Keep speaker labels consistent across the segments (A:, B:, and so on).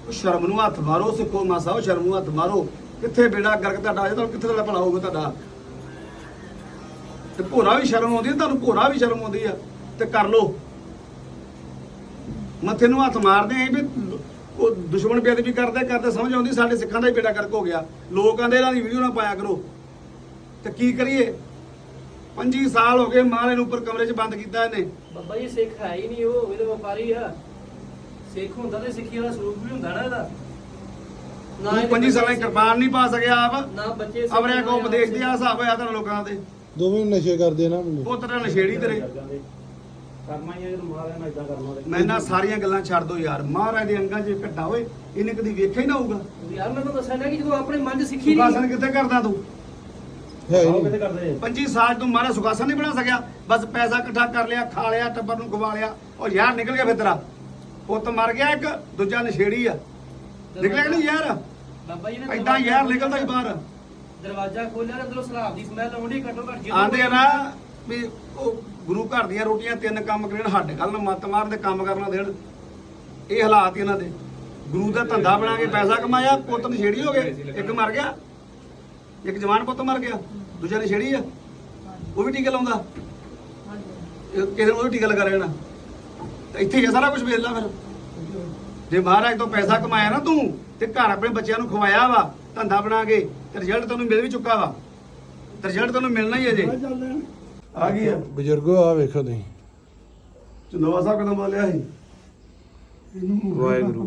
A: ਸ਼ਰਮ ਨੂੰ ਹੱਥ ਮਾਰੋ ਸਿੱਖੋ ਮਾਸਾ, ਉਹ ਸ਼ਰਮ ਨੂੰ ਹੱਥ ਮਾਰੋ। ਕਿੱਥੇ ਬੇੜਾ ਗਰਕ ਤੁਹਾਡਾ ਅਜੇ ਤੱਕ, ਕਿੱਥੇ ਤੁਹਾਡਾ ਭਲਾ ਹੋਊਗਾ ਤੁਹਾਡਾ? ਤੇ ਭੋਰਾ ਵੀ ਸ਼ਰਮ ਆਉਂਦੀ ਹੈ ਤੁਹਾਨੂੰ, ਭੋਰਾ ਵੀ ਸ਼ਰਮ ਆਉਂਦੀ ਆ ਤੇ ਕਰ ਲੋ। ਮੱਥੇ ਨੂੰ ਹੱਥ ਮਾਰਦੇ ਆਂ ਵੀ ਉਹ ਦੁਸ਼ਮਣ ਬੇਅਦਬੀ ਕਰਦੇ ਕਰਦੇ ਸਮਝ ਆਉਂਦੀ ਸਾਡੇ ਸਿੱਖਾਂ ਦਾ ਹੀ ਬੇੜਾ ਗਰਕ ਹੋ ਗਿਆ। ਲੋਕਾਂ ਦੇ ਇਹਨਾਂ ਦੀ ਵੀਡੀਓ ਨਾ ਪਾਇਆ ਕਰੋ। ਤੇ ਕੀ ਕਰੀਏ? 25 ਸਾਲ ਹੋ ਗਏ ਮਹਾਰਾਜ ਨੂੰ ਉੱਪਰ ਕਮਰੇ 'ਚ ਬੰਦ ਕੀਤਾ ਇਹਨੇ।
B: ਬਾਬਾ ਜੀ ਸਿੱਖ ਹੈ ਹੀ ਨਹੀਂ, ਉਹ ਇਹਦੇ ਵਪਾਰੀ ਆ। ਸਿੱਖ ਹੁੰਦਾ ਤੇ ਸਿੱਖੀ ਵਾਲਾ ਸਰੂਪ ਵੀ ਹੁੰਦਾ ਨਾ ਇਹਦਾ।
A: ਨਾ 25 ਸਾਲਾਂ ਦੀ ਕਿਰਪਾਨ ਨਹੀਂ ਪਾ ਸਕਿਆ ਆਪ
B: ਨਾ ਬੱਚੇ
A: ਅਵਰਿਆ ਕੋ ਉਪਦੇਸ਼ ਦੀ ਆ ਹਿਸਾਬ ਹੋਇਆ ਤੁਹਾਨੂੰ ਲੋਕਾਂ ਦੇ।
C: ਦੋਵੇਂ ਨਸ਼ੇ ਕਰਦੇ ਨਾ ਮੁੰਡੇ।
A: ਉਹ ਤੇਰਾ ਨਸ਼ੇੜੀ ਤੇਰੇ।
B: ਕਰਨਾ ਹੀ ਹੈ ਜਦੋਂ ਮਹਾਰਾਜ ਨਾਲ ਇਦਾਂ ਕਰਨਾ।
A: ਮੈਂ ਨਾ ਸਾਰੀਆਂ ਗੱਲਾਂ ਛੱਡ ਦੋ ਯਾਰ। ਮਹਾਰਾਜ ਦੇ ਅੰਗਾਂ 'ਚ ਘੱਟਾ ਹੋਏ ਇਹਨੇ ਕਦੀ ਵੇਖਿਆ ਹੀ ਨਾ ਹੋਊਗਾ।
B: ਯਾਰ ਮੈਂ ਤੁਹਾਨੂੰ ਦੱਸਿਆ ਨਾ ਕਿ ਜਦੋਂ ਆਪਣੇ ਮਨ 'ਚ ਸਿੱਖੀ
A: ਸੁਖਾਸਨ
B: ਨਹੀਂ
A: ਕਿੱਥੇ ਕਰਦਾ ਤੂੰ?
C: ਹੈ ਹੀ
B: ਕਿੱਥੇ
C: ਨਹੀਂ।
B: ਕਰਦੇ
A: 25 ਸਾਲ ਤੂੰ ਮਹਾਰਾਜ ਸੁਖਾਸਨ ਨਹੀਂ ਬਣਾ ਸਕਿਆ। ਬਸ ਪੈਸਾ ਇਕੱਠਾ ਕਰ ਲਿਆ, ਖਾ ਲਿਆ, ਟੱਬਰ ਨੂੰ ਖਵਾ ਲਿਆ। ਉਹ ਯਾਰ ਨਿਕਲ ਗਿਆ ਫਿਰ ਤੇਰਾ ਪੁੱਤ ਮਰ ਗਿਆ, ਇੱਕ ਦੂਜਾ ਨਸ਼ੇੜੀ ਆ। ਨਿਕਲਿਆ ਕਿ ਨਹੀਂ ਯਾਰ?
B: ਬਾਬਾ ਜੀ ਨੇ
A: ਏਦਾਂ ਯਾਰ ਨਿਕਲਦਾ ਹੀ ਬਾਹਰ।
B: ਦਰਵਾਜ਼ਾ ਖੋਲਿਆ ਅੰਦਰੋਂ ਸਲਾਬ ਦੀ ਸਮੈਲ ਆਉਂਦੀ ਘੱਟੋ ਘੱਟ।
A: ਆਂਦੇ ਆ ਨਾ ਵੀ ਉਹ ਗੁਰੂ ਘਰ ਦੀਆਂ ਰੋਟੀਆਂ 3 ਕੰਮ ਕਰਨ, ਹੱਡ ਕੱਲ ਨੂੰ ਮੱਤ ਮਾਰਨ ਤੇ ਕੰਮ ਕਰਨਾ ਦੇਣ। ਇਹ ਹਾਲਾਤ ਇਹਨਾਂ ਦੇ। ਗੁਰੂ ਦਾ ਧੰਦਾ ਬਣਾ ਕੇ ਪੈਸਾ ਕਮਾਇਆ, ਪੁੱਤ ਨਸ਼ੇੜੀ ਹੋ ਗਏ। ਇੱਕ ਮਰ ਗਿਆ, ਇੱਕ ਜਵਾਨ ਪੁੱਤ ਮਰ ਗਿਆ, ਦੂਜਾ ਨਸ਼ੇੜੀ ਆ। ਉਹ ਵੀ ਟੀਕਾ ਲਾਉਂਦਾ, ਕਿਸੇ ਨੂੰ ਉਹ ਵੀ ਟੀਕਾ ਲਗਾ ਰਹਿਣਾ। ਇੱਥੇ ਹੀ ਆ ਸਾਰਾ ਕੁਝ ਵੇਖ ਲਾ ਫਿਰ। ਜੇ ਮਹਾਰਾਜ ਤੋਂ ਪੈਸਾ ਕਮਾਇਆ ਨਾ ਤੂੰ ਤੇ ਘਰ ਆਪਣੇ ਬੱਚਿਆਂ ਨੂੰ ਖਵਾਇਆ ਵਾ ਧੰਦਾ ਬਣਾ ਕੇ, ਤੇ ਰਿਜ਼ਲਟ ਤੈਨੂੰ ਮਿਲ ਵੀ ਚੁੱਕਾ ਵਾ। ਤੇ ਰਿਜ਼ਲਟ ਤੈਨੂੰ ਮਿਲਣਾ ਹੀ ਅਜੇ। ਆ ਗਈ ਆ
C: ਬਜ਼ੁਰਗੋ ਆ ਵੇਖੋ ਤੁਸੀਂ।
A: ਚੰਦੋਵਾ ਸਾਹਿਬ ਕਦੋਂ ਬੋਲਿਆ ਸੀ?
C: ਵਾਹਿਗੁਰੂ।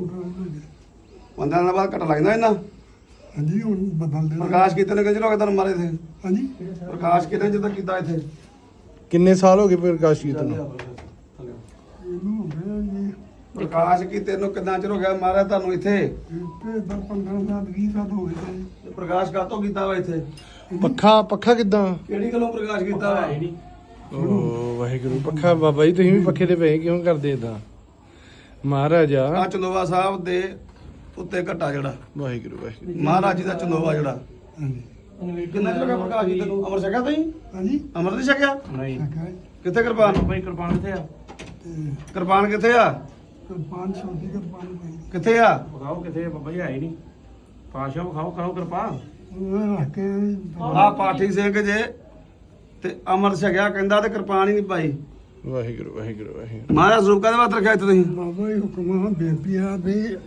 A: 15 ਦਿਨਾਂ ਬਾਅਦ ਘਟ ਲੱਗਦਾ ਇਹਨਾਂ।
D: ਹਾਂਜੀ ਹੁਣ ਬਦਲ ਦੇਣਾ।
A: ਪ੍ਰਕਾਸ਼ ਕੀਤੇ ਨੇ ਕਿੰਨੇ ਲੋਕ ਤੁਹਾਨੂੰ ਮਾਰੇ ਥੇ?
D: ਹਾਂਜੀ
A: ਪ੍ਰਕਾਸ਼ ਕੀਤੇ ਜਿੱਦਾਂ ਕੀਤਾ ਇੱਥੇ
C: ਕਿੰਨੇ ਸਾਲ ਹੋ ਗਏ ਪ੍ਰਕਾਸ਼ ਕੀਤੇ ਨੂੰ?
D: ਇਹਨੂੰ ਹੋ ਗਿਆ ਜੀ
A: ਪ੍ਰਕਾਸ਼ ਕੀਤੇ ਨੂੰ ਕਿੰਨਾ ਚਿਰ ਹੋ ਗਿਆ ਮਾਰਿਆ ਤੁਹਾਨੂੰ ਇੱਥੇ?
D: ਤੇ 15 ਸਾਲ 20 ਸਾਲ ਹੋ ਗਏ ਜੀ।
A: ਤੇ ਪ੍ਰਕਾਸ਼ ਕਾਤੋਂ ਕੀਤਾ ਵਾ ਇੱਥੇ?
C: ਪੱਖਾ ਕਿਦਾਂ?
A: ਕਿਹੜੀ ਗੱਲੋਂ ਪ੍ਰਕਾਸ਼ ਕੀਤਾ ਵਾ?
C: ਓ ਵਾਹਿਗੁਰੂ। ਪੱਖਾ ਬਾਬਾ ਜੀ ਤੁਸੀਂ ਵੀ ਪੱਖੇ ਦੇ ਪਏ ਕਿਉਂ ਕਰਦੇ ਇਦਾਂ? ਮਹਾਰਾਜ ਆ।
A: ਆ ਚੰਦੋਵਾ ਸਾਹਿਬ ਦੇ ਉੱਤੇ ਘਟਾ ਜਿਹੜਾ
C: ਵਾਹਿਗੁਰੂ ਵਾਹਿਗੁਰੂ।
A: ਮਹਾਰਾਜ ਜੀ ਦਾ ਚੰਦੋਵਾ ਜਿਹੜਾ
D: ਹਾਂਜੀ
A: ਕਿੰਨਾ ਚਿਰ ਹੋ ਗਿਆ ਪ੍ਰਕਾਸ਼ ਕੀਤੇ ਨੂੰ? ਅਮਰ ਛਕਿਆ ਤੁਸੀਂ?
D: ਹਾਂਜੀ
A: ਅਮਰ ਨਹੀਂ ਛਕਿਆ?
B: ਨਹੀਂ
D: ਸ਼ਕਾ
A: ਕਿੱਥੇ ਕਿਰਪਾਨ?
B: ਬਾਈ ਕਿਰਪਾਨ ਕਿੱਥੇ ਆ?
D: ਤੇ
A: ਕਿਰਪਾਨ ਕਿੱਥੇ ਆ?
D: ਕਿਰਪਾਨ ਛੋਟੀ ਕਿਰਪਾਨ ਪਈ
A: ਕਿੱਥੇ ਆ?
B: ਵਿਖਾਓ ਕਿੱਥੇ ਆ ਬਾਬਾ ਜੀ? ਹੈ ਹੀ ਨਹੀਂ। ਪਾਸ਼ਾ ਵਿਖਾਓ, ਕਰੋ ਕਿਰਪਾ।
D: ਉਹ ਰੱਖ ਕੇ
A: ਆ ਪਾਠੀ ਸਿੰਘ ਜੇ ਤੇ ਅਮਰ ਛਕਿਆ ਕਹਿੰਦਾ ਤੇ ਕਿਰਪਾਨ ਹੀ ਨਹੀਂ ਪਾਈ।
C: ਵਾਹਿਗੁਰੂ ਵਾਹਿਗੁਰੂ ਵਾਹਿਗੁਰੂ।
A: ਮਹਾਰਾਜ ਸਰੂਪ ਕਾਹਦੇ ਵਾਸਤੇ ਰੱਖਿਆ ਇੱਥੇ ਤੁਸੀਂ?
D: ਬਾਬਾ ਜੀ ਹੁਕਮ ਬੇਨਤੀ ਆ ਵੀ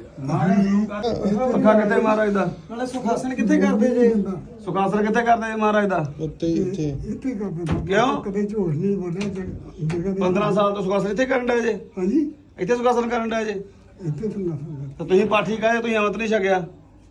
A: ਪੱਖਾ ਕਿੱਥੇ ਮਹਾਰਾਜ ਦਾ? ਨਾਲੇ ਸੁਖਾਸਨ ਕਿੱਥੇ ਕਰਦੇ ਜੇ? ਸੁਖਾਸਨ ਕਿੱਥੇ ਕਰਦੇ ਜੇ ਮਹਾਰਾਜ ਦਾ?
C: ਉੱਤੇ ਇੱਥੇ
D: ਇੱਥੇ ਕਰਦੇ ਬਾਬਾ।
A: ਕਿਉਂ?
D: ਕਦੇ ਝੂਠ ਨਹੀਂ ਬੋਲਿਆ ਜਗ੍ਹਾ ਦੇ
A: 15 ਸਾਲ ਤੋਂ ਸੁਖਾਸਨ ਇੱਥੇ ਕਰਨ ਡਏ ਜੇ?
D: ਹਾਂਜੀ
A: ਇੱਥੇ ਸੁਖਾਸਨ ਕਰਨ ਡਏ ਜੇ?
D: ਇੱਥੇ ਸੁਣਾ ਸੁਣਾ
A: ਤਾਂ ਤੁਸੀਂ ਪਾਠੀ ਕਹੇ ਤੁਸੀਂ ਅਮਤ ਨਹੀਂ ਛਕਿਆ।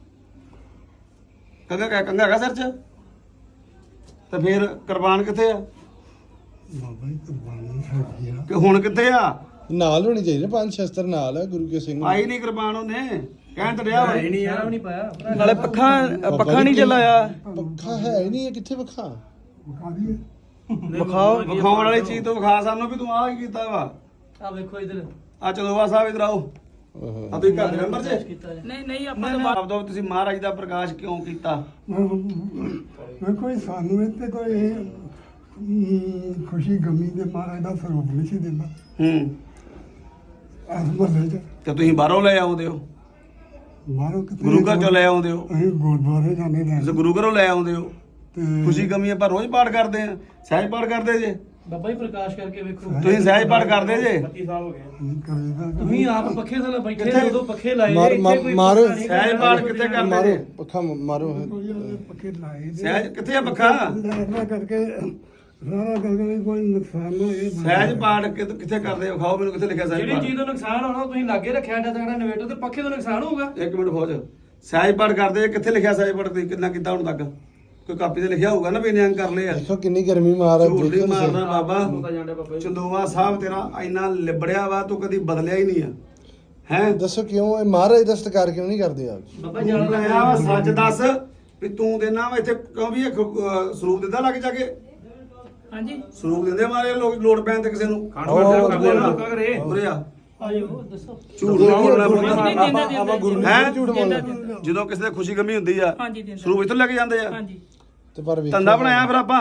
A: ਕੰਗਾ ਹੈਗਾ ਸਿਰ 'ਚ? ਤੇ ਫਿਰ ਕਿਰਪਾਨ ਕਿੱਥੇ ਆ?
D: ਬਾਬਾ ਜੀ ਕੁਰਬਾਨੀ ਸਾਡੀ ਆ।
A: ਕਿ ਹੁਣ ਕਿੱਥੇ ਆ?
C: ਨਾਲ ਹੋਣੀ ਚਾਹੀਦੀ ਨਾ, 5 ਸ਼ਸਤਰ ਨਾਲ ਆ ਗੁਰੂ ਕੇ ਸਿੰਘ।
A: ਆਈ ਨਹੀਂ ਕਿਰਪਾਨ ਉਹਨੇ, ਕਹਿਣ ਤੇ ਰਿਹਾ ਵਾ।
B: ਹੈ ਨਹੀਂ ਯਾਰ, ਨਹੀਂ ਪਾਇਆ।
A: ਨਾਲੇ ਪੱਖਾ ਨਹੀਂ ਚਲਾਇਆ।
C: ਪੱਖਾ ਹੈ ਹੀ ਨਹੀਂ ਹੈ, ਕਿੱਥੇ ਪੱਖਾ?
D: ਵਿਖਾ ਦਈਏ
A: ਵਿਖਾਉਣ ਵਾਲੀ ਚੀਜ਼ ਤੋਂ ਵਿਖਾ ਸਾਨੂੰ ਵੀ ਤੂੰ ਆਹ ਕੀ ਕੀਤਾ ਵਾ।
B: ਆ ਵੇਖੋ ਇਧਰ।
A: ਆ ਚੰਦੋਵਾ ਸਾਹਿਬ ਇਧਰ ਆਓ।
C: ਓਹੋ।
A: ਆ ਤੁਸੀਂ ਘਰ ਦੇ ਮੈਂਬਰ ਜੇ?
B: ਨਹੀਂ
A: ਆਪ ਦੋ ਤੁਸੀਂ ਮਹਾਰਾਜ ਦਾ ਪ੍ਰਕਾਸ਼ ਕਿਉਂ ਕੀਤਾ?
D: ਮੈਂ ਕੋਈ ਸਾਨੂੰ ਇੱਥੇ ਕੋਈ ਖੁਸ਼ੀ ਗਮੀ ਦੇ ਮਹਾਰਾਜ ਦਾ ਸਰੂਪ ਨਹੀਂ ਸੀ ਦਿੰਦਾ
A: ਹੂੰ
D: ਇਸ ਮਹੱਲੇ 'ਚ।
A: ਤੇ ਤੁਸੀਂ ਬਾਹਰੋਂ ਲੈ ਆਉਂਦੇ ਹੋ,
D: ਮਾਰੋ ਕਿਤੇ
A: ਗੁਰੂ ਘਰ ਚੋਂ ਲੈ ਆਉਂਦੇ ਹੋ,
D: ਅਸੀਂ ਗੁਰਦੁਆਰੇ ਜਾਂਦੇ ਨੇ
A: ਤੁਸੀਂ ਗੁਰੂ ਘਰੋਂ ਲੈ ਆਉਂਦੇ ਹੋ।
D: ਤੇ
A: ਖੁਸ਼ੀ ਗਮੀ ਆਪਾਂ ਰੋਜ਼ ਪਾਠ ਕਰਦੇ ਆ, ਸਹਿਜ ਪਾਠ ਕਰਦੇ ਜੇ।
B: ਬਾਬਾ ਜੀ ਪ੍ਰਕਾਸ਼ ਕਰਕੇ ਵੇਖੋ।
A: ਤੁਸੀਂ ਸਹਿਜ ਪਾਠ ਕਰਦੇ ਜੇ?
B: 25 ਸਾਲ ਹੋ ਗਏ।
D: ਕਰੀਦਾ
B: ਤੁਸੀਂ ਆਪ ਪੱਖੇ ਥੱਲੇ ਬੈਠੇ
A: ਕਿੱਥੇ?
B: ਉਦੋਂ ਪੱਖੇ ਲਾਏ
C: ਮਾਰ-
B: ਇੱਥੇ
C: ਮਾਰ-
B: ਕੋਈ
C: ਮਾਰੋ।
B: ਪੱਖਾ ਨਹੀਂ।
A: ਸਹਿਜ ਪਾਠ ਕਿੱਥੇ ਕਰਦੇ
C: ਮਾਰੋ
A: ਜੇ?
C: ਪੱਖਾ ਮਾਰੋ।
D: ਪੱਕੇ ਲਾਏ ਦੇ
A: ਸਹਿਜ ਕਿੱਥੇ ਆ ਪੱਖਾ?
D: ਲੈਣਾ ਕਰਕੇ ਸਾਰਾ ਕਰਕੇ ਕੋਈ ਨੁਕਸਾਨ ਨਾ ਹੋਏ।
A: ਸਹਿਜ ਪਾਠ ਕਿੱਥੇ ਕਰਦੇ ਹੋ? ਵਿਖਾਓ ਮੈਨੂੰ ਕਿੱਥੇ ਲਿਖਿਆ ਸਹਿਜ
B: ਜਿਹੜੀ
A: ਪਾਠ।
B: ਚੀਜ਼ ਦਾ ਨੁਕਸਾਨ ਹੋਣਾ ਉਹ ਤੁਸੀਂ ਲਾਗੇ ਰੱਖਿਆ ਐਡਾ ਤਗੜਾ ਇਨਵੇਟਰ ਤੇ ਪੱਖੇ ਦਾ ਨੁਕਸਾਨ ਹੋਊਗਾ।
A: ਇੱਕ ਮਿੰਟ ਫੌਜ, ਸਹਿਜ ਪਾਠ ਕਰਦੇ ਜੇ, ਕਿੱਥੇ ਲਿਖਿਆ ਸਹਿਜ ਪਾਠ? ਤੁਸੀਂ ਕਿੰਨਾ ਕੀਤਾ ਹੁਣ ਤੱਕ? ਕੋਈ ਕਾਪੀ ਤੇ ਲਿਖਿਆ ਹੋਊਗਾ ਨਾ ਵੀ ਇੰਨੇ ਅੰਗ ਕਰ ਲਏ ਆ।
C: ਦੇਖੋ ਕਿੰਨੀ ਗਰਮੀ ਮਹਾਰਾਜ
A: ਝੂਠ ਨਹੀਂ
C: ਦੇਖੋ ਤੁਸੀਂ।
A: ਮਾਰਨਾ ਬਾਬਾ।
B: ਹੁੰਦਾ ਜਾਂਦਾ ਬਾਬਾ ਜੀ।
A: ਚੰਦੋਵਾ ਸਾਹਿਬ ਤੇਰਾ ਇੰਨਾ ਲਿਬੜਿਆ ਵਾ, ਤੂੰ ਕਦੀ ਬਦਲਿਆ ਹੀ ਨਹੀਂ ਆ। ਹੈ
C: ਦੱਸੋ ਕਿਉਂ ਇਹ ਮਹਾਰਾਜ ਦਾ ਸਤਿਕਾਰ ਕਿਉਂ ਨਹੀਂ ਕਰਦੇ ਆਪ?
B: ਬਾਬਾ ਜਾਣ
A: ਆਇਆ ਵਾ, ਸੱਚ ਦੱਸ ਵੀ ਤੂੰ ਦੇਣਾ ਵਾ ਇੱਥੇ ਕਿਉਂ ਵੀ ਇਹ ਸਰੂਪ ਦਿੰਦਾ ਲੱਗ ਜਾ ਕੇ?
B: ਹਾਂਜੀ
A: ਸਰੂਪ ਦਿੰਦੇ ਮਾਰੇ ਲੋਕ ਲੋੜ ਪੈਣ ਤੇ ਕਿਸੇ ਨੂੰ।
B: ਖਾਣ ਵਾਲਾ ਕਰਦੇ ਲੋਕਾਂ ਘਰੇ।
A: ਉਰੇ ਆ,
B: ਆਇਓ ਦੱਸੋ।
A: ਝੂਠ ਨਹੀਂ ਬੋਲਣਾ
C: ਆਪਾਂ ਗੁਰੂ
A: ਹੈਂ?
C: ਨੂੰ ਝੂਠ ਬੋਲਣਾ।
A: ਜਦੋਂ ਕਿਸੇ ਦੇ ਖੁਸ਼ੀ ਗਮੀ ਹੁੰਦੀ ਆ
B: ਹਾਂਜੀ ਦਿੰਦਾ।
A: ਸਰੂਪ ਇੱਥੋਂ ਲੈ ਕੇ ਜਾਂਦੇ ਆ।
B: ਹਾਂਜੀ
C: ਤੇ ਪਰ ਵੇਖੋ
A: ਧੰਦਾ ਬਣਾਇਆ ਫਿਰ ਆਪਾਂ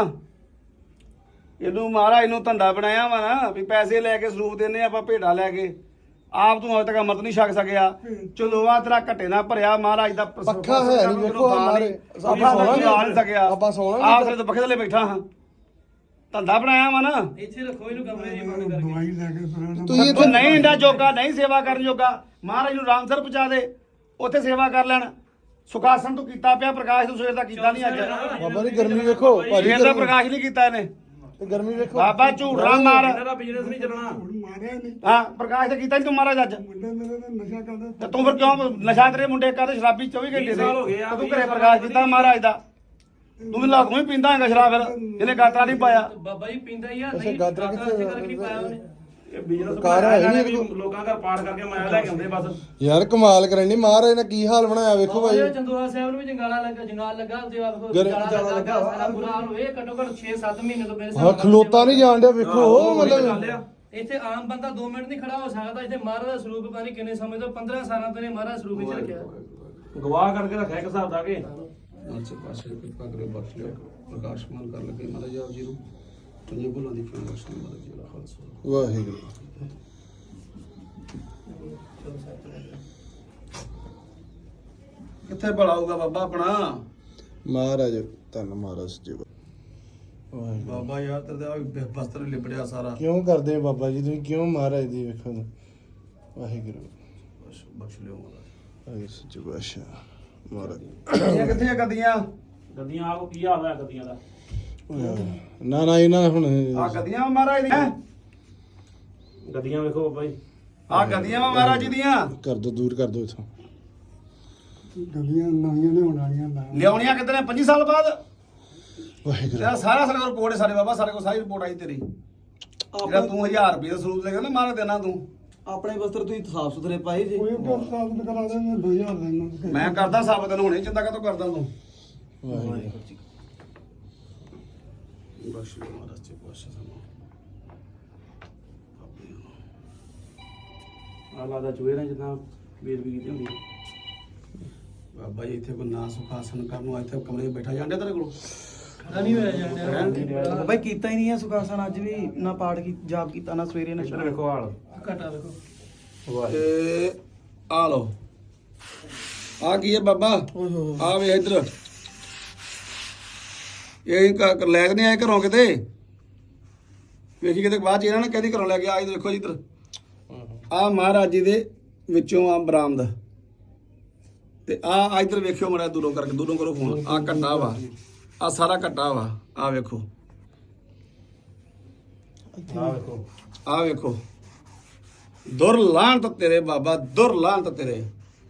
A: ਇਹਨੂੰ, ਮਹਾਰਾਜ ਨੂੰ ਧੰਦਾ ਬਣਾਇਆ ਵਾ ਨਾ ਵੀ ਪੈਸੇ ਲੈ ਕੇ ਸਰੂਪ ਦਿੰਨੇ ਆਪਾਂ, ਭੇਡਾਂ ਲੈ ਕੇ ਆਪ ਤੂੰ ਅਜੇ ਤੱਕ ਅੰਮ੍ਰਿਤ ਨਹੀਂ ਛਕ ਸਕਿਆ ਚਲੋਆ ਤੇਰਾ ਘੱਟੇ ਨਾਲ ਭਰਿਆ ਮਹਾਰਾਜ ਦਾ
C: ਪੱਖਾ ਹੈ ਨੀ, ਵੇਖੋ ਮਾਰੇ।
A: ਆਪਾਂ ਨਹੀਂ ਸਕਿਆ
C: ਆਪਾਂ ਸੌਣਾ ਨੀ
A: ਆਪ ਸਿਰ ਤੋਂ ਪੱਖੇ ਥੱਲੇ ਬੈਠਾ ਹਾਂ ਧੰਦਾ ਬਣਾਇਆ ਵਾ ਨਾ
B: ਇੱਥੇ ਰੱਖੋ ਇਹਨੂੰ ਕਮਰੇ ਦੀ ਬੰਦ ਕਰਕੇ
D: ਦਵਾਈ ਲੈ ਕੇ ਪੁਰਾਣਾ
C: ਤੁਸੀਂ
A: ਤੂੰ ਨਹੀਂ ਇੰਡਾ ਜੋਗਾ ਨਹੀਂ ਸੇਵਾ ਕਰਨ ਜੋਗਾ ਮਹਾਰਾਜ ਨੂੰ ਰਾਮਸਰ ਪਹੁੰਚਾ ਦੇ ਉੱਥੇ ਸੇਵਾ ਕਰ ਲੈਣ ਸੁਖਾਸਨ ਤੂੰ ਕੀਤਾ ਪਿਆ ਪ੍ਰਕਾਸ਼ ਤੂੰ ਸਵੇਰ ਦਾ ਕੀਤਾ ਨਹੀਂ ਅੱਜ
C: ਬਾਬਾ ਜੀ ਗਰਮੀ ਵੇਖੋ ਭਾਜੀ
A: ਸਵੇਰ ਦਾ ਪ੍ਰਕਾਸ਼ ਨਹੀਂ ਕੀਤਾ ਇਹਨੇ
C: ਗਰਮੀ ਵੇਖੋ
A: ਬਾਬਾ ਝੂਠਾ ਮਾਰ
B: ਇਹਨਾਂ ਦਾ ਬਿਜ਼ਨਸ ਨਹੀਂ ਚੱਲਣਾ
D: ਮਾਰਿਆ ਨਹੀਂ
A: ਹਾਂ ਪ੍ਰਕਾਸ਼ ਤੇ ਕੀਤਾ ਨਹੀਂ ਤੂੰ ਮਹਾਰਾਜ ਅੱਜ
D: ਮੁੰਡੇ ਮੇਰੇ ਦਾ ਨਸ਼ਾ ਕਰਦਾ
A: ਤੇ ਤੂੰ ਫਿਰ ਕਿਉਂ ਨਸ਼ਾ ਤੇਰੇ ਮੁੰਡੇ ਕਰਦੇ ਸ਼ਰਾਬੀ 24 ਘੰਟੇ ਦੇ
B: ਸਾਲ ਹੋ ਗਏ ਆ,
A: ਤੇ ਤੂੰ ਘਰੇ ਪ੍ਰਕਾਸ਼ ਕੀਤਾ ਮਹਾਰਾਜ ਦਾ ਤੂੰ ਵੀ ਲਾਗੋਂ ਹੀ ਪੀਂਦਾ ਹੈਗਾ ਸ਼ਰਾਬ ਫਿਰ ਇਹਨੇ ਗਾਤਰਾ ਨਹੀਂ ਪਾਇਆ
B: ਬਾਬਾ ਜੀ ਪੀਂਦਾ ਹੀ ਆ
C: ਅੱਛਾ,
B: ਨਹੀਂ
C: ਗਾਦਰਾ
B: ਗਾਦਰਾ
C: ਕਿੱਥੇ
B: ਕਰਕੇ ਨਹੀਂ ਪਾਇਆ ਉਹਨੇ
E: ਇਹ ਬਿਜ਼ਨਸ
C: ਕਾਰ ਹੈ ਨੀ ਇਹਦੇ ਕੋਲ।
E: ਲੋਕਾਂ ਘਰ ਪਾਠ ਕਰਕੇ ਮਾਇਆ ਲੈ ਕੇ ਆਉਂਦੇ ਬਸ
C: ਯਾਰ ਕਮਾਲ ਕਰਨੀ ਮਹਾਰਾਜ ਨੇ ਕੀ ਹਾਲ ਬਣਾਇਆ ਵੇਖੋ ਭਾਈ
B: ਉਹ ਚੰਦੋਆ ਸਾਹਿਬ ਨੂੰ ਵੀ ਜੰਗਾਲ ਲੱਗਾ ਤੇ ਆਖੋ ਜੰਗਾਲਾ ਲੱਗਾ ਸਾਰਾ ਬੁਰਾ ਹਾਲ ਹੋਏ ਘੱਟੋ ਘੱਟ 6-7 ਮਹੀਨੇ ਤੋਂ ਮੇਰੇ
C: ਹਾਂ ਖਲੋਤਾ ਨਹੀਂ ਜਾਣ ਡਿਆ ਵੇਖੋ ਮਤਲਬ
B: ਇੱਥੇ ਆਮ ਬੰਦਾ 2 ਮਿੰਟ ਨਹੀਂ ਖੜਾ ਹੋ ਸਕਦਾ ਇੱਥੇ ਮਹਾਰਾਜ ਦਾ ਸਰੂਪ ਪਤਾ ਨਹੀਂ ਕਿੰਨੇ ਸਮੇਂ ਤੋਂ 15 ਸਾਲਾਂ ਤੋਂ ਨੇ ਮਹਾਰਾਜ ਸਰੂਪ ਵਿੱਚ ਰੱਖਿਆ
E: ਗਵਾਹ ਕਰਕੇ ਰੱਖਿਆ ਇੱਕ ਹਿਸਾਬ ਦਾ ਕੇ
A: ਅੱਛੇ ਪਾਸੇ ਕਿਰਪਾ ਕਰੇ ਬਖਸ਼ ਲਿਓ ਪ੍ਰਕਾਸ਼ਮਾਨ ਕਰ ਲਗੇ ਮਹਾਰਾਜ ਆਪ ਜੀ ਨੂੰ ਤੁਝੇ ਭੁੱਲਾਂ ਦੀ ਖਿਮਾ ਬਖਸ਼ ਮਹਾਰਾਜ ਜੀ ਦਾ ਖਾਲਸਾ
C: ਵਾਹਿਗੁਰੂ
A: ਕਿੱਥੇ ਭਲਾ ਹੋਊਗਾ ਬਾਬਾ ਆਪਣਾ
C: ਮਹਾਰਾਜ ਧੰਨ ਮਹਾਰਾਜ ਜੀ ਵਾਹਿਗੁਰੂ
A: ਬਾਬਾ ਯਾਰ ਤੇਰੇ ਦਾ ਬਸਤਰ ਲਿਬੜਿਆ ਸਾਰਾ
C: ਕਿਉਂ ਕਰਦੇ ਹੋ ਬਾਬਾ ਜੀ ਤੁਸੀਂ ਕਿਉਂ ਮਹਾਰਾਜ ਦੀ ਵੇਖੋ ਵਾਹਿਗੁਰੂ
A: ਬਖਸ਼ ਲਿਓ ਮਹਾਰਾਜ
C: ਵਾਹਿਗੁਰੂ ਸੱਚੇ ਪਾਤਸ਼ਾਹ ਮਹਾਰਾਜ
A: ਇਹ ਕਿੱਥੇ ਆ ਗੱਦੀਆਂ
E: ਗੱਦੀਆਂ ਆਪ ਕੀ ਹਾਲ ਹੋਇਆ ਗੱਦੀਆਂ ਦਾ
C: ਨਾ ਨਾ ਇਹਨਾਂ ਹੁਣ
A: ਆ ਗੱਦੀਆਂ ਮਹਾਰਾਜ ਦੀਆਂ
E: ਗੱਦੀਆਂ ਵੇਖੋ ਬਾਬਾ ਜੀ
A: ਆ ਗੱਦੀਆਂ ਮਹਾਰਾਜ ਜੀ ਦੀਆਂ
C: ਕਰ ਦੋ ਦੂਰ ਕਰ ਦੋ ਇਥੋਂ
D: ਗਲੀਆਂ ਨਵੀਆਂ ਲਿਆਉਣ ਵਾਲੀਆਂ ਲਾ
A: ਲਿਆਉਣੀਆਂ ਕਿਤੇ ਨੇ 25 ਸਾਲ ਬਾਅਦ
C: ਵਾਹਿਗੁਰੂ
A: ਤੇਰਾ ਸਾਰਾ ਸਾਡੇ ਕੋਲ ਰਿਪੋਰਟ ਹੈ ਸਾਡੇ ਬਾਬਾ ਸਾਡੇ ਕੋਲ ਸਾਰੀ ਰਿਪੋਰਟ ਆਈ ਤੇਰੀ ਜਿਹੜਾ ਤੂੰ 1000 ਰੁਪਏ ਦਾ ਸਰੂਪ ਲੈ ਕੇ ਨਾ ਮਾਰਾ ਦੇਣਾ ਤੂੰ
F: ਆਪਣੇ ਵਸਤਰ ਤੁਸੀਂ ਸਾਫ ਸੁਥਰੇ ਪਾਏ ਜੀ
D: ਕੋਈ ਵੀ ਸਾਬਤ ਕਰਾ ਦੇ 2000 ਲੈਣਾ
A: ਮੈਂ ਕਰਦਾ ਸਾਬਤ ਨੂੰ ਹੁਣੇ ਚਿੰਤਾ ਕਾਤੋਂ ਕਰਦਾ ਤੂੰ
C: ਵਾਹਿਗੁਰੂ
A: ਬਖਸ਼ ਲਿਓ ਮਹਾਰਾਜ ਜੀ ਬਖਸ਼ ਸਾਨੂੰ
E: ਆ ਲੱਗਦਾ ਚੂਹੇ ਨੇ ਜਿੱਦਾਂ ਬੇਦਬੀ ਕੀਤੀ ਹੁੰਦੀ
A: ਬਾਬਾ ਜੀ ਇੱਥੇ ਕੋਈ ਨਾ ਸੁਖਾਸਨ ਕਰਨ ਨੂੰ ਇੱਥੇ ਕਮਰੇ 'ਚ ਬੈਠਾ ਜਾਂਦੇ ਤੇਰੇ ਕੋਲ
B: ਖੜਾ ਨਹੀਂ ਹੋਇਆ ਜਾਂਦੇ
F: ਬਾਈ ਕੀਤਾ ਹੀ ਨਹੀਂ ਹੈ ਸੁਖਾਸਨ ਅੱਜ ਵੀ ਨਾ ਪਾਠ ਕੀ ਜਾਪ ਕੀਤਾ ਨਾ ਸਵੇਰੇ ਨਾ
E: ਇੱਧਰ
F: ਸ਼ਾਮ
E: ਵੇਖੋ ਹਾਲ
B: ਘਟਾ ਵੇਖੋ
E: ਵਾਹ
A: ਤੇ ਆ ਲੋ ਆ ਕੀ ਹੈ ਬਾਬਾ ਆ ਵੇ ਇੱਧਰ ਇਹ ਲੈ ਕੇ ਨਹੀਂ ਆਏ ਘਰੋਂ ਕਿਤੇ ਵੇਖੀ ਕਿਤੇ ਬਾਅਦ ਚ ਇਹਨਾਂ ਨੇ ਕਹਿੰਦੀ ਘਰੋਂ ਲੈ ਕੇ ਆ ਇੱਧਰ ਦੇਖੋ ਜੀ ਇੱਧਰ ਆ ਮਹਾਰਾਜ ਜੀ ਦੇ ਵਿੱਚੋਂ ਆ ਬਰਾਮਦ ਤੇ ਆ ਇੱਧਰ ਵੇਖਿਓ ਮੜਾ ਦੂਰੋਂ ਕਰਕੇ ਦੂਰੋਂ ਕਰੋ ਫੋਨ ਆ ਘੱਟਾ ਵਾ ਆ ਸਾਰਾ ਘੱਟਾ ਵਾ ਆ ਵੇਖੋ
E: ਆ ਵੇਖੋ
A: ਆ ਵੇਖੋ ਦੁਰ ਲਾਂਤ ਤੇਰੇ ਬਾਬਾ ਦੁਰ ਲਾਂਤ ਤੇਰੇ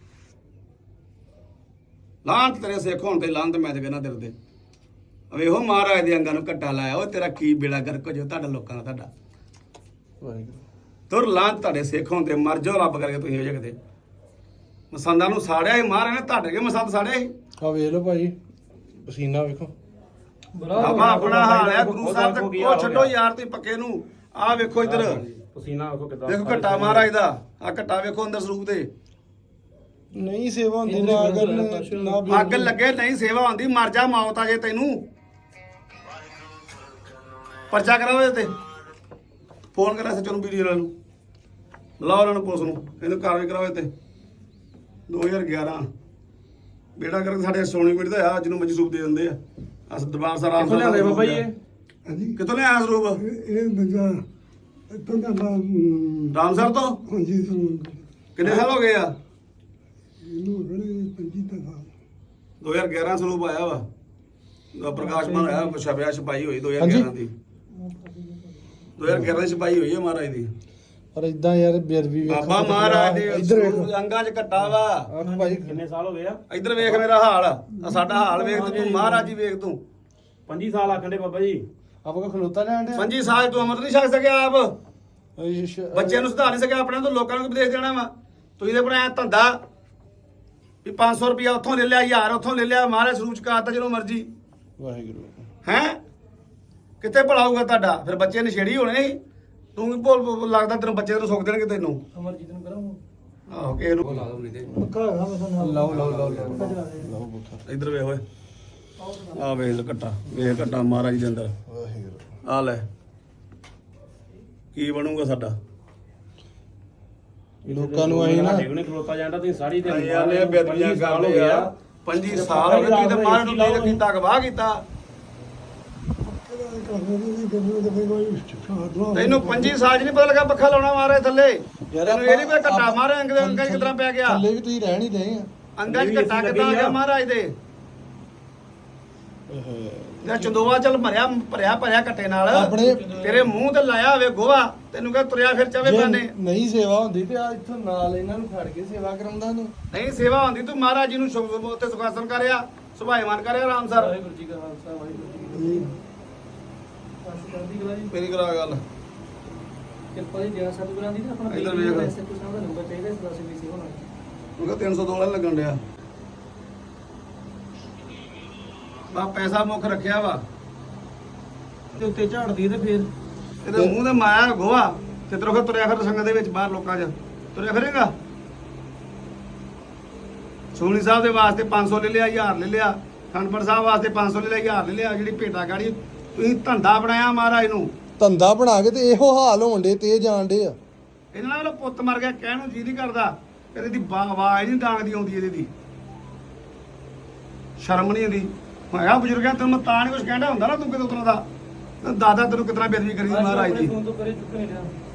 A: ਲਾਂਤ ਤੇਰੇ ਸਿੱਖ ਹੋਣ ਤੇ ਲਾਂਤ ਮੈਂ ਤੇ ਕਹਿੰਦਾ ਤੇਰੇ ਤੇ ਵੇਖੋ ਮਹਾਰਾਜ ਦੇ ਅੰਗਾਂ ਨੂੰ ਘੱਟਾ ਲਾਇਆ ਉਹ ਤੇਰਾ ਕੀ ਬੇੜਾ ਗਰਕ ਜੋ ਤੁਹਾਡਾ ਲੋਕਾਂ ਦਾ ਤੁਹਾਡਾ
C: ਵਾਹਿਗੁਰੂ
A: ਦੁਰ ਲਾਂਤ ਤੁਹਾਡੇ ਸਿੱਖ ਹੋਣ ਤੇ ਮਰ ਜਾਓ ਰੱਬ ਕਰਕੇ ਤੁਸੀਂ ਹੋ ਜਾ ਕਿਤੇ ਮਸੰਦਾਂ ਨੂੰ ਸਾੜਿਆ ਸੀ ਮਹਾਰਾਜ ਨੇ ਤੁਹਾਡੇ ਕੇ ਮਸੰਦ ਸਾੜਿਆ ਸੀ
C: ਆ ਵੇਖ ਲਓ ਭਾਜੀ ਪਸੀਨਾ ਵੇਖੋ
A: ਬਾਬਾ ਆਪਣਾ ਹਾਲ ਹੈ ਗੁਰੂ ਸਾਹਿਬ ਤੇ ਉਹ ਛੱਡੋ ਯਾਰ ਤੁਸੀਂ ਪੱਕੇ ਨੂੰ ਆ ਵੇਖੋ ਇੱਧਰ
E: ਪਸੀਨਾ ਵੇਖੋ ਕਿਦਾਂ
A: ਦੇਖੋ ਘੱਟਾ ਮਹਾਰਾਜ ਦਾ ਆ ਘੱਟਾ ਵੇਖੋ ਅੰਦਰ ਸਰੂਪ ਦੇ
C: ਨਹੀਂ ਸੇਵਾ ਹੁੰਦੀ ਨਾ ਅਗਰ ਨਾ
A: ਅੱਗ ਲੱਗੇ ਨਹੀਂ ਸੇਵਾ ਹੁੰਦੀ ਮਰ ਜਾ ਮੌਤ ਆ ਜੇ ਤੈਨੂੰ ਪਰਚਾ ਕਰਾਓ ਇਹਦੇ ਤੇ ਫੋਨ ਕਰਾ ਸੱਚੋ ਨੂੰ ਵੀਡੀਓ ਨੂੰ ਬੁਲਾਓ ਉਹਨਾਂ ਨੂੰ ਪੁਲਿਸ ਨੂੰ ਇਹਨੂੰ ਕਾਰਵਾਈ ਕਰਾਓ ਇਹਦੇ ਤੇ 2011 ਬੇੜਾ ਕਰਕੇ ਸਾਡੇ ਸੋਨੀ ਪੀੜ ਦਾ ਆ ਜਿਹਨੂੰ ਮਜਸੂਬ ਦੇ ਦਿੰਦੇ ਆ ਅਸ ਦਰਬਾਰ ਸਾਹਿਬ
E: ਕਿੱਥੋਂ ਲਿਆਂਦੇ ਬਾਬਾ ਜੀ ਇਹ
D: ਹਾਂਜੀ
A: ਕਿੱਥੋਂ ਲਿਆਇਆ ਸਰੂਪ
D: ਇਹ ਦੂਜਾ ਇੱਥੋਂ ਦਾ
A: ਰਾਮਸਰ ਤੋਂ
D: ਹਾਂਜੀ ਸਾਨੂੰ
A: ਕਿੰਨੇ ਸਾਲ ਹੋ ਗਏ ਆ
D: ਇਹਨੂੰ ਰੜੇ 25 ਸਾਲ
A: 2011 ਸਰੂਪ ਆਇਆ ਵਾ ਦਾ ਪ੍ਰਕਾਸ਼ਮਾਨ ਆਇਆ ਛਪਿਆ ਛਪਾਈ ਹੋਈ 2011 ਦੀ 2011 ਦੀ ਛਪਾਈ ਹੋਈ ਹੈ ਮਹਾਰਾਜ ਦੀ
C: ਪਰ ਇਦਾਂ ਯਾਰ ਬੇਅਦਬੀ ਵੇਖੋ
A: ਬਾਬਾ ਮਹਾਰਾਜ ਦੇ
C: ਇੱਧਰ ਵੇਖੋ
A: ਅੰਗਾਂ 'ਚ ਘੱਟਾ ਵਾ
C: ਆਹ ਭਾਜੀ
E: ਕਿੰਨੇ ਸਾਲ ਹੋ ਗਏ ਆ
A: ਇੱਧਰ ਵੇਖ ਮੇਰਾ ਹਾਲ ਆ ਸਾਡਾ ਹਾਲ ਵੇਖ ਤੇ ਤੂੰ ਮਹਾਰਾਜ ਜੀ ਵੇਖ ਤੂੰ
E: 25 ਸਾਲ ਆਖੰਡੇ ਬਾਬਾ ਜੀ
C: ਆਪਾਂ ਕੋ ਖਲੋਤਾ ਲੈਣ ਦੇ
A: 25 ਸਾਲ ਤੂੰ ਅਮਰ ਨਹੀਂ ਛਕ ਸਕਿਆ ਆਪ ਬੱਚਿਆਂ ਨੂੰ ਸੁਧਾਰ ਨਹੀਂ ਸਕਿਆ ਆਪਣੇ ਤੋਂ ਲੋਕਾਂ ਨੂੰ ਉਪਦੇਸ਼ ਦੇਣਾ ਵਾ ਤੁਸੀਂ ਤੇ ਬਣਾਇਆ ਧੰਦਾ ਵੀ 500 ਰੁਪਇਆ ਉੱਥੋਂ ਲੈ ਲਿਆ 1000 ਉੱਥੋਂ ਲੈ ਲਿਆ ਮਹਾਰਾਜ ਸਰੂਪ ਚ ਕਾਤਾ ਜਦੋਂ ਮਰਜੀ
C: ਵਾਹਿਗੁਰੂ
A: ਹੈ ਕਿੱਥੇ ਭਲਾਊਗਾ ਤੁਹਾਡਾ ਫਿਰ ਬੱਚੇ ਨਸ਼ੇੜੀ ਹੋਣੇ ਸੀ ਤੂੰ ਵੀ ਭੁੱਲ ਲੱਗਦਾ ਤੈਨੂੰ ਬੱਚੇ ਨੂੰ ਸੁੱਕ ਦੇਣਗੇ ਤੈਨੂੰ
B: ਅਮਰਜੀਤ ਨੂੰ ਕਰਾਂਗਾ
A: ਆਹੋ ਕਿਸੇ ਨੂੰ ਲਾ ਦੋ ਨਹੀਂ ਤੇ
C: ਲਾਓ ਬੁੱਠਾ
A: ਇੱਧਰ ਵੇਖ ਓਏ ਆ ਵੇਖ ਲੈ ਘੱਟਾ ਵੇਖ ਘੱਟਾ ਮਹਾਰਾਜ ਦੇ ਅੰਦਰ
C: ਵਾਹਿਗੁਰੂ
A: ਆ ਲੈ ਕੀ ਬਣੂਗਾ ਸਾਡਾ
C: ਲੋਕਾਂ ਨੂੰ ਅਸੀਂ ਨਾ
E: ਸਾਡੇ ਕੋਲ ਨਹੀਂ ਖਲੋਤਾ ਜਾਂਦਾ ਤੁਸੀਂ ਸਾਰੀ ਦਿਹਾੜੀ
A: ਯਾਰ ਨੇ ਬੇਦਬੀਆਂ ਕਰ ਲਏ ਆ 25 ਸਾਲ ਹੋ ਗਏ ਤੁਸੀਂ ਤੇ ਮਾਰ ਨੂੰ ਨਹੀਂ ਕੀਤਾ ਗਵਾਹ ਕੀਤਾ ਤੈਨੂੰ 25 ਸਾਲ 'ਚ ਨਹੀਂ ਪਤਾ ਲੱਗਾ ਪੱਖਾ ਲਾਉਣਾ ਮਾਰੇ ਥੱਲੇ ਤੈਨੂੰ ਇਹ ਨਹੀਂ ਪਤਾ ਘੱਟਾ ਮਾਰੇ ਅੰਗਾਂ 'ਚ ਕਿਤਨਾ ਪੈ ਗਿਆ
C: ਥੱਲੇ ਵੀ ਤੁਸੀਂ ਰਹਿ ਨਹੀਂ ਰਹੇ ਆ
A: ਅੰਗਾਂ 'ਚ ਘੱਟਾ ਕਿੱਦਾਂ ਆ ਗਿਆ ਮਹਾਰਾਜ ਦੇ ਤੇ ਚੰਦੋਆ ਚੱਲ ਭਰਿਆ ਘੱਟੇ ਨਾਲ
C: ਆਪਣੇ
A: ਤੇਰੇ ਮੂੰਹ ਤੇ ਲਾਇਆ ਹੋਵੇ ਗੋਹਾ ਤੈਨੂੰ ਕਹ ਤੁਰਿਆ ਫਿਰ ਚਵੇ
C: ਜੇ
A: ਬਾਨੇ
C: ਨਹੀਂ ਸੇਵਾ ਹੁੰਦੀ ਤੇ ਆ ਇੱਥੋਂ ਨਾਲ ਇਹਨਾਂ ਨੂੰ ਖੜ ਕੇ ਸੇਵਾ ਕਰਾਉਂਦਾ ਨੂੰ
A: ਨਹੀਂ ਸੇਵਾ ਹੁੰਦੀ ਤੂੰ ਮਹਾਰਾਜ ਜੀ ਨੂੰ ਤੇ ਸੁਖਾਸਨ ਕਰਿਆ ਸੁਭਾਇਮਾਨ ਕਰਿਆ ਆਰਾਮ ਸਰ
B: ਵਾਹਿਗੁਰੂ ਜੀ ਕਾ ਖਾਲਸਾ ਵਾਹਿਗੁਰੂ ਜੀ ਕੀ ਫਤਿਹ ਸਾਡੀ ਕਰਦੀ ਗਲਾ ਜੀ
A: ਮੇਰੀ ਕਰਾ ਗੱਲ
B: ਕਿਰਪਾ ਜੀ ਦਿਆ ਸਤਿਗੁਰਾਂ ਦੀ ਤੇ ਆਪਣਾ
A: ਇੱਧਰ ਵੇਖ।
B: ਵੈਸੇ ਕੁਛ ਨਾ ਦਾ ਨੰਬਰ ਚਾਹੀਦਾ ਇਸ ਦੱਸ ਵੀ ਸੀ ਹੋਣਾ
A: ਉਹ ਕਹ 302 ਵਾਲਾ ਲੱਗਣ ਡਿਆ ਬਾ ਪੈਸਾ ਮੁੱਖ ਰੱਖਿਆ ਵਾ
B: ਤੇ ਉੱਤੇ ਝਾੜਦੀ ਤੇ ਫੇਰ
A: ਇਹਦੇ ਮੂੰਹ ਤੇ ਮਾਇਆ ਗੋਹਾ ਤੇ ਤਰੋ ਫਿਰ ਤੁਰਿਆ ਫਿਰ ਸੰਗਤ ਦੇ ਵਿੱਚ ਬਾਹਰ ਲੋਕਾਂ 'ਚ ਤੁਰਿਆ ਫਿਰੇਗਾ ਸੋਹਣੀ ਸਾਹਿਬ ਦੇ ਵਾਸਤੇ 500 ਲੈ ਲਿਆ 1000 ਲੈ ਲਿਆ ਖੰਡਪੁਰ ਸਾਹਿਬ ਵਾਸਤੇ 500 ਲੈ ਲਿਆ 1000 ਲੈ ਲਿਆ ਜਿਹੜੀ ਭੇਟਾ ਗਾੜੀ ਤੁਸੀਂ ਧੰਦਾ ਬਣਾਇਆ ਮਹਾਰਾਜ ਨੂੰ
C: ਧੰਦਾ ਬਣਾ ਕੇ ਤੇ ਇਹੋ ਹਾਲ ਹੋਣ ਦੇ ਤੇ ਜਾਣ ਦੇ ਆ
A: ਇਹਨਾਂ ਨਾਲ ਪੁੱਤ ਮਰ ਗਿਆ ਕਹਿਣ ਨੂੰ ਜੀ ਨਹੀਂ ਕਰਦਾ ਇਹਦੀ ਦੀ ਆਵਾਜ਼ ਨਹੀਂ ਡਾਂਗਦੀ ਆਉਂਦੀ ਇਹਦੀ ਦੀ ਸ਼ਰਮ ਨਹੀਂ ਆਉਂਦੀ ਹੈਗਾ ਬਜ਼ੁਰਗਾਂ ਤੈਨੂੰ ਮੈਂ ਤਾਂ ਨਹੀਂ ਕੁਝ ਕਹਿੰਦਾ ਹੁੰਦਾ ਨਾ ਤੂੰ ਕਿਤੇ ਉਤਰਾਂ ਦਾ ਦਾਦਾ ਤੈਨੂੰ ਕਿਤਨਾ ਬੇਦਬੀ ਕਰੀ ਮਹਾਰਾਜ ਦੀ
B: ਫੋਨ ਤੋਂ ਕਰੇ ਚੁੱਕ ਨਹੀਂ ਰਿਹਾ